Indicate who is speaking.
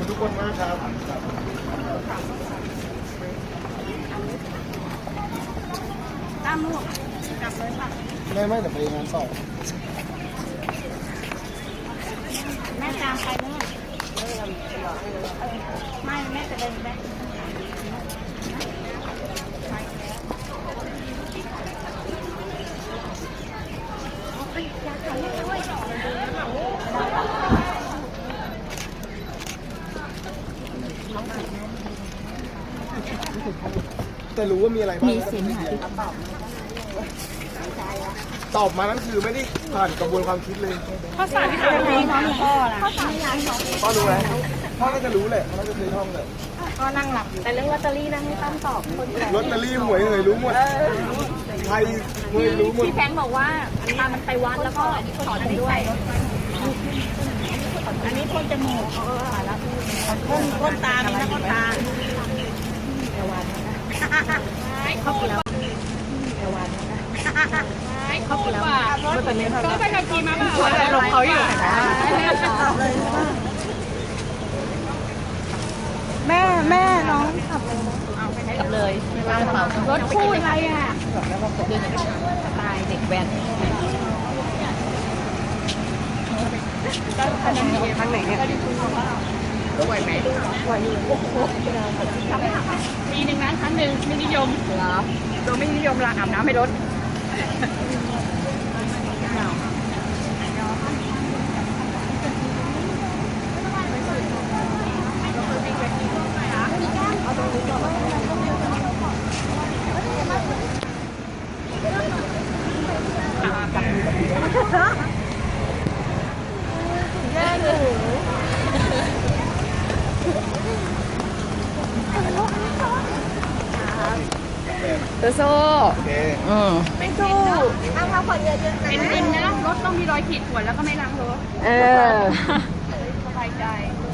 Speaker 1: ทุกคนมากครับ
Speaker 2: ตามลูกกลับเลยค่ะ
Speaker 1: ไม่แต่ไปงานสอบ
Speaker 2: แม่ตามไปเนี่ยไม่แม่จะเดินแม่
Speaker 1: แต่รู้ว่ามีอะไรบ้าง
Speaker 2: มีเสียงหาย
Speaker 1: ตอบมานั่นคือไม่ได้ผ่านกระบวนความคิดเลย
Speaker 2: ข้อสอบที่ทำให้น้องพ่อล่ะข้อสอบที่ร้านน้อง
Speaker 1: พ่อรู้แล้วพ่อน่าจะรู้แหละพ่อน่าจะเคยท่องเลย
Speaker 2: ก็นั่งหลับอยู่แต่เรื่องลอตเตอรี่นะไม่ต้องตอบคนแก่
Speaker 1: ลอตเตอรี่หวยเหยรู้หมดไทยหวยรู้หมด
Speaker 2: พี่แพงบอกว่ามันไปวัดแล้วก็ถอนด้วยอันนี้พ่นจมูกแล้วพ่นตามีนะพ่นตาเขากินแล้วเขากินแล้วก็ไปขับขี่มาแบบหลบเขาอยู่แม่น้องขับเลยรถคู่อะไรอ่ะตายเด็กแว้นทางไหนเนี่ยไหวไหมไหวอยู่ปีหนึ่งนะครั้งหนึ่งไม่นิยมเหรอตัวไม่นิยมละอาบน้ำไม่ลดโซ่ไม่สู้เอามาขวดเยอะๆนะเป็นนะรถต้องมีรอยขีดข่วนแล้วก็ไม่ล้างรถสบายใจ